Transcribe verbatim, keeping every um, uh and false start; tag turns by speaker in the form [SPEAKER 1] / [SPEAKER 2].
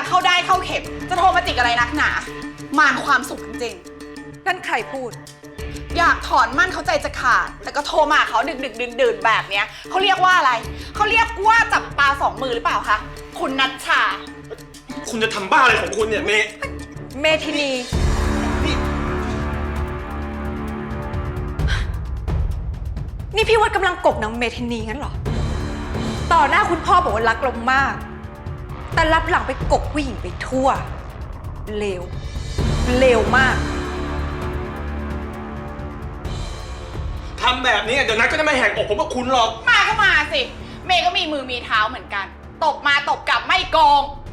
[SPEAKER 1] เข้าได้เข้าเข็มจะโทรมาจิกอะไรนักหนามารความสุขจริง
[SPEAKER 2] นั่นใครพูด
[SPEAKER 1] ๆอยากถอนมั่นเขาใจจะขาดแต่ก็โทรมาเขาดึกดึกดื่นดื่นๆแบบเนี้ยเขาเรียกว่าอะไรเขาเรียกว่าจับปลาสองมือหรือเปล่าคะคุณนัชชา
[SPEAKER 3] คุณจะทำบ้าอะไรของคุณเนี่ยเมย์
[SPEAKER 2] เมทินี
[SPEAKER 3] นี่
[SPEAKER 2] นี่พี่วัดกำลังกบนางเมทินีงั้นเหรอ ต่อหน้าคุณพ่อบอกว่ารักเรามาก แต่รับหลังไปกบผู้หญิงไปทั่ว เลว เลวมาก
[SPEAKER 3] ทำแบบนี้เดี๋ยวนัทก็จะไม่แหกอกผมกับคุณหรอก
[SPEAKER 1] มาก็มาสิเมย์ก็มีมือมีเท้าเหมือนกันตบมาตบกลับไม่โกง